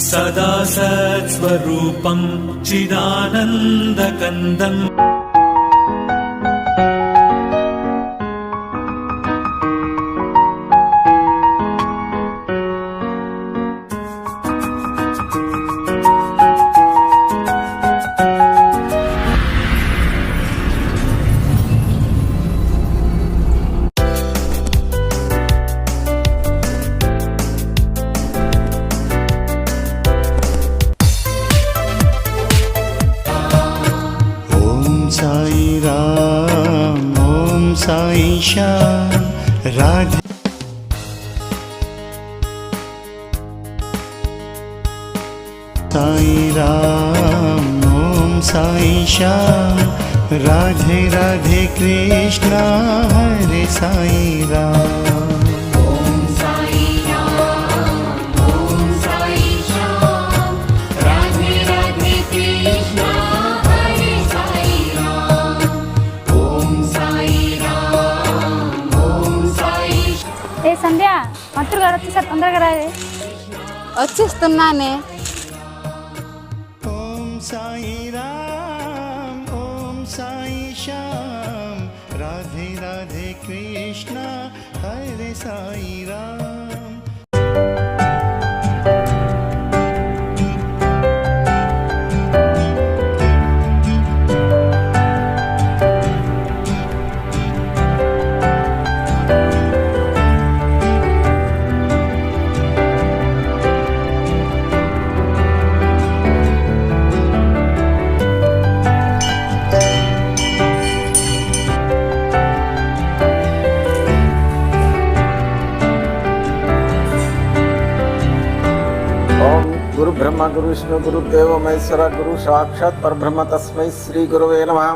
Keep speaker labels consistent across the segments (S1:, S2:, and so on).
S1: सदा सत्स्वरूपं चिदानन्दकन्दम्
S2: साईशा राधे साई राम ओम साईशा राधे राधे कृष्णा हरे साई राम
S3: సంధ్య మంత్రులు గారు వచ్చేసారు, తొందరగా రాదే.
S4: వచ్చేస్తున్నానే.
S2: ఓం సాయి రామ్ ఓం సాయి శ్యామ్ రాధే రాధే కృష్ణ హరే సాయి రామ్.
S5: गुरु ब्रह्मा गुरु विष्णु गुरु देव महेश्वरा गुरु साक्षात परब्रह्म तस्मै श्री गुरुवे नमः.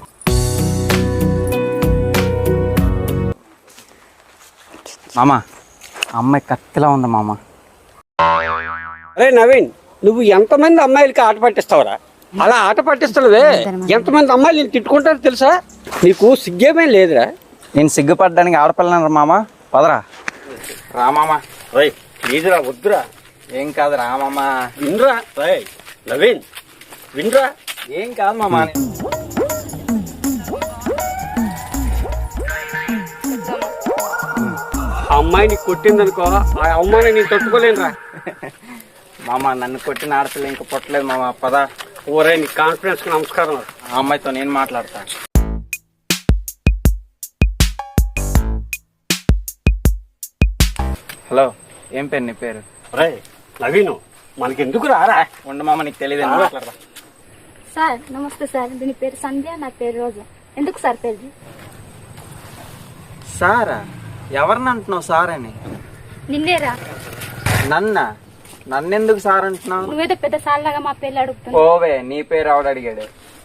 S6: మామ అమ్మాయి కత్తిలా ఉంది మామ.
S7: అరే నవీన్, నువ్వు ఎంతమంది అమ్మాయిలకి ఆట పట్టిస్తావురా? అలా ఆట పట్టిస్తున్నావే, ఎంతమంది అమ్మాయిలు నేను తిట్టుకుంటారో తెలుసా? నీకు సిగ్గేమీ లేదురా?
S6: నేను సిగ్గుపడడానికి ఆడపిల్లన్నారు మామ. పదరా రా మామ.
S7: రేయ్ ప్లీజ్రా, వద్దురా.
S6: ఏం కాదు రా మామ.
S7: వినరా రేయ్ నవీన్, వినరా.
S6: ఏం కాదు మామ.
S7: ఆ అమ్మాయిని కొట్టిందనుకో, ఆ అమ్మాయిని నేను తట్టుకోలేనురా.
S6: మామ నన్ను కొట్టిన ఆడపిల్ల ఇంకా పుట్టలేదు మామ. పద.
S7: ఓరే నీ కాన్ఫిడెన్స్ కి నమస్కారం.
S6: ఆ అమ్మాయితో నేను మాట్లాడతా. హలో, ఏం పేరు నీ పేరు?
S7: రేయ్ నవీను, మనకెందుకు రారా?
S6: ఉండు మామ, నీకు తెలియదు. మాట్లాడతా.
S3: సార్ నమస్తే సార్, దీని పేరు సంధ్య, నా పేరు రోజా. ఎందుకు సార్ పేరు?
S6: సారా? ఎవరిని అంటున్నావు సార్ అని?
S3: నిన్నేరా.
S6: నన్నెందుకు సార్ అంటున్నావు?
S3: నువ్వేదో పెద్ద సార్ లాగా మా పేర్లు అడుగుతున్నావు.
S6: ఓవే, నీ పేరు ఆవిడ అడిగాడు.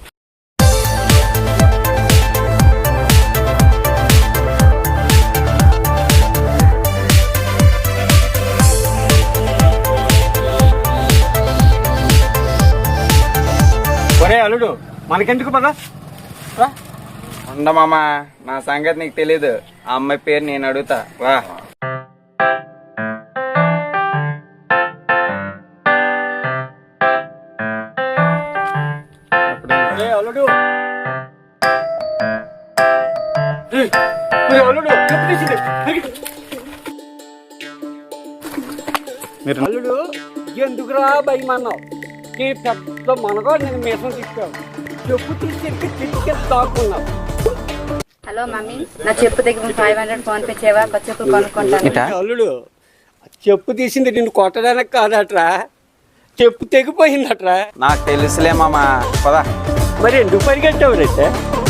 S7: ఒరే అల్లుడు, మనకెందుకు పద.
S6: ఉండమామా, నా సంగతి నీకు తెలీదు. ఆ అమ్మాయి పేరు నేను అడుగుతా. రా.
S7: అల్లుడు అల్లుడు అల్లుడు, ఎందుకురా భయమన్నావు? నీ పెద్ద మనగా నేను మీసం తీసుకావు, చెప్పు తీసుకెళ్ళి తీసుకెళ్ళి దాక్కున్నావు.
S4: హలో మమ్మీ, నా చెప్పు దగ్గర 500 ఫోన్ పే చేయవా? కొత్త చెప్పులు కొనుక్కుంటాను.
S7: అల్లుడు, చెప్పు తీసింది నిన్ను కొట్టడానికి కాదట్రా, చెప్పు తెగిపోయిందట్రా.
S6: నాకు తెలుసులే మామా. పదా.
S7: మరి ఎందుకు పరిగెట్టావు రైతే?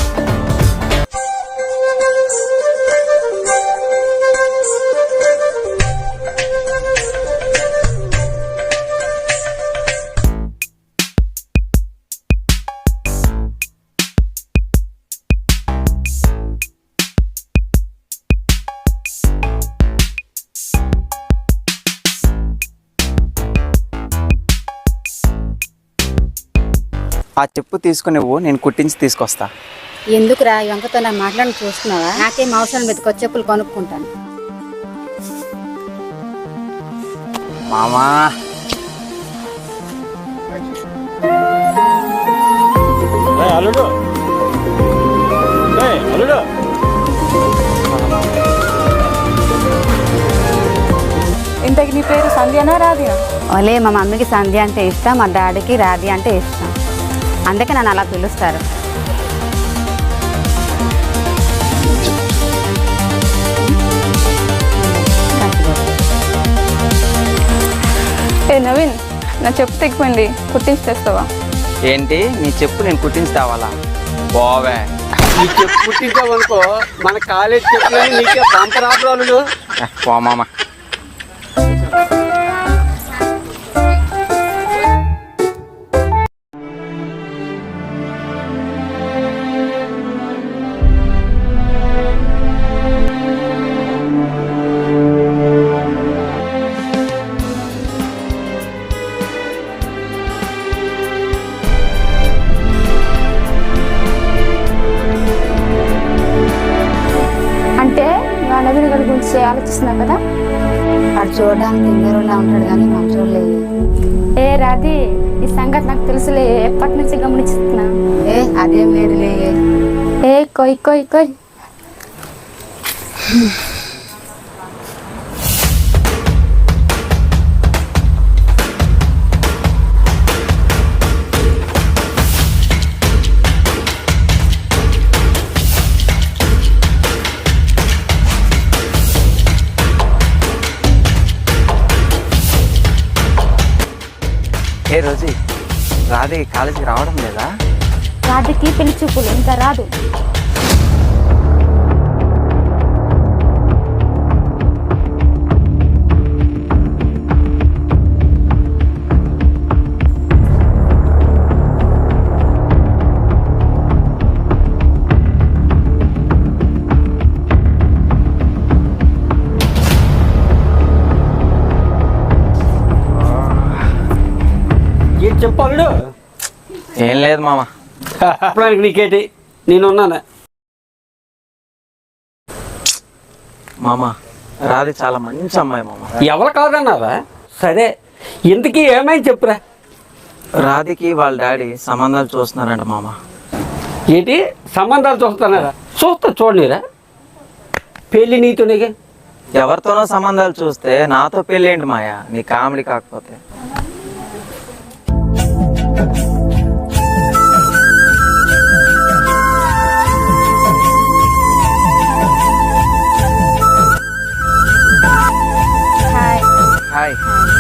S6: ఆ చెప్పు తీసుకుని నేను కుట్టించి తీసుకొస్తా.
S4: ఎందుకురా వెంకతో నా మాట్లాడి చూస్తున్నావా? నాకేం అవసరం లేదు, కొత్త చెప్పులు కొనుక్కుంటాను.
S6: మామా
S7: అల్లుడు అల్లుడు
S8: ఇంతకి నీ పేరు సంధ్యనా రాధినా?
S4: ఓలే మా మమ్మీకి సంధ్య అంటే ఇష్టం, మా డాడీకి రాధి అంటే ఇష్టం, అందుకే నన్ను అలా పిలుస్తారు.
S8: ఏ నవీన్, నా చెప్పు తెగిపోయింది, కుట్టించి తెస్తావా?
S6: ఏంటి నీ చెప్పు నేను కుట్టించి తేవాలా? పోవే.
S7: నీ చెప్పు పుట్టించావనుకో మన కాలేజ్ చెప్పులని నీకే పంపరాపురాలు.
S6: పో మామ.
S3: అంటే నా నవీన్ గారి గురించి ఆలోచిస్తున్నావు కదా?
S4: వాడు చూడడానికి తింగరులా ఉంటాడు కానీ మంచోడు లేదు.
S3: ఏ రాధి, ఈ సంగతి నాకు తెలుసులే, ఎప్పటి నుంచి గమనిస్తున్నా.
S4: అదేం లేదులే.
S3: ఏ కొయ్ కొయ్ కొయ్.
S6: ఏ రోజు రాధి కాలేజీకి రావడం లేదా?
S3: రాధికి పెళ్లి చూపులు ఇంకా రాదు.
S7: ఏం చెప్పాడు?
S6: ఏం లేదు మామ.
S7: చెప్పడానికి నీకేంటి, నేనున్నాను.
S6: మామ రాధి చాలా మంచి అమ్మాయి మామ.
S7: ఎవరు కాదన్నారా? సరే ఇంతకీ ఏమైంది చెప్పురా.
S6: రాధికి వాళ్ళ డాడీ సంబంధాలు చూస్తున్నారంట మామ.
S7: ఏంటి సంబంధాలు చూస్తున్నారా? చూడనీరా, పెళ్ళి నీతోనేగా.
S6: ఎవరితోనో సంబంధాలు చూస్తే నాతో పెళ్ళి ఏంటి మాయా? నీ కామెడీ కాకపోతే.
S3: హాయ్.
S6: హాయ్.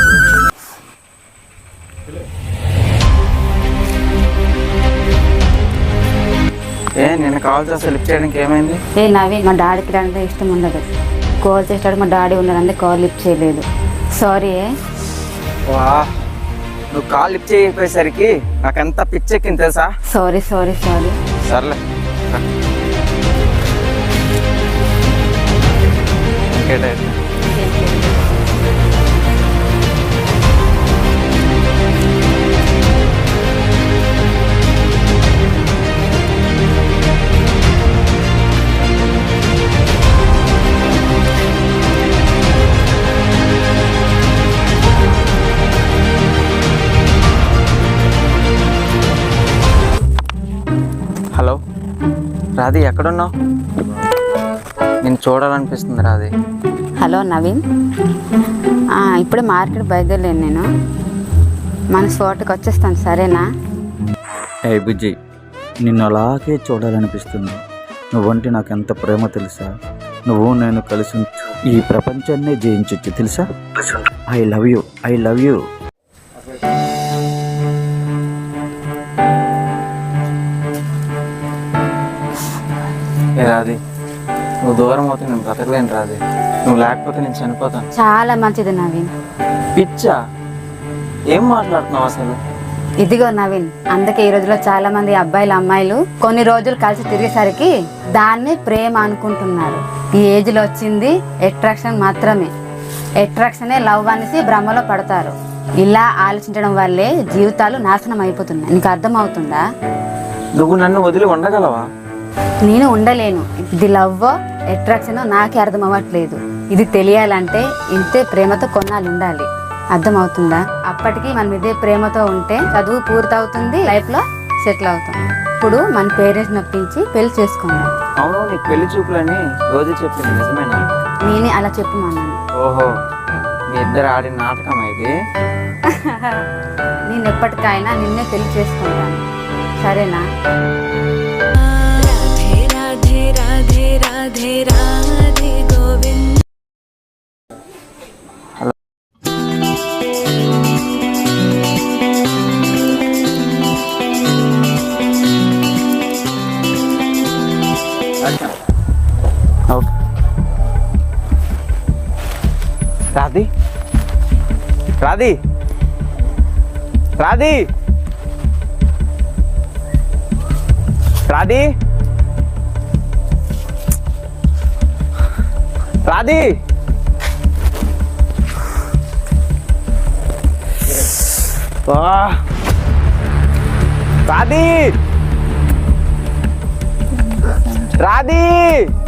S6: ఏ నేను కాల్ చేస్తే లిఫ్ట్ చేయడానికి ఏమైంది?
S4: ఏ నవీన్, మా డాడీకి అంటే ఇష్టం ఉండదు. కాల్ చేస్తాడు, మా డాడీ ఉన్నాడు, అందుకే కాల్ లిఫ్ట్ చేయలేదు. సారీ.
S6: వా, నువ్వు కాల్ లిఫ్ట్ చేయకపోయేసరికి నాకెంత పిచ్చెక్కింది తెలుసా?
S4: సారీ.
S6: సర్లే. ఇంకేంటి? హలో రాధి, ఎక్కడున్నావు? నేను చూడాలనిపిస్తుంది రాధి.
S4: హలో నవీన్, ఇప్పుడే మార్కెట్ బయలుదేరలేను నేను. మన స్పాట్కి వచ్చేస్తాను, సరేనా?
S9: ఏ బుజ్జి, నిన్ను అలాగే చూడాలనిపిస్తుంది. నువ్వంటే నాకు ఎంత ప్రేమ తెలుసా? నువ్వు నేను కలిసి ఈ ప్రపంచాన్నే జయించొచ్చు తెలుసా? I love you.
S6: ఏ రాధి, నువ్వు దూరం అవుతే నేను బ్రతకలేను రాధి. నువ్వు లేకపోతే నేను చనిపోతాను.
S4: చాలా మంచిది నవీన్.
S6: పిచ్చా? ఏం మాట్లాడుతున్నావు అసలు?
S4: ఇదిగో నవీన్, అందుకే ఈ రోజుల్లో చాలా మంది అబ్బాయిలు అమ్మాయిలు కొన్ని రోజులు కలిసి తిరిగేసరికి దాన్ని ప్రేమ అనుకుంటున్నారు. ఈ ఏజ్ లో వచ్చింది అట్రాక్షన్ మాత్రమే. అట్రాక్షనే లవ్ అనేసి భ్రమలో పడతారు. ఇలా ఆలోచించడం వల్లే జీవితాలు నాశనం అయిపోతున్నాయి. నీకు అర్థమవుతుందా?
S6: నువ్వు నన్ను వదిలి ఉండగలవా?
S4: నేను ఉండలేను. ఇది లవ్ అట్రాక్షన్ నాకే అర్థం అవ్వట్లేదు. ఇది తెలియాలంటే ఇంతే ప్రేమతో కొన్నాళ్ళు ఉండాలి. అర్థమవుతుందా? అప్పటికి మనం ఇదే ప్రేమతో ఉంటే చదువు పూర్తవుతుంది, లైఫ్ లో సెటిల్ అవుతాం. ఇప్పుడు మన పేరెంట్స్ నొప్పించి పెళ్లి చేసుకుందాం.
S6: అవును, నీకు పెళ్లి చూపులని రోజు చెప్పింది నిజమేనా?
S4: నేనే అలా చెప్పమన్నాను.
S6: ఓహో, మీ ఇద్దరు ఆడిన నాటకం ఇది.
S4: నేను ఎప్పటికైనా నిన్నే పెళ్లి చేసుకుంటాను, సరేనా?
S10: राधे राधे राधे राधे गोविंद.
S6: ఓకే. రాధి రాధి రాధి రాధి రాధి రాధి రాధి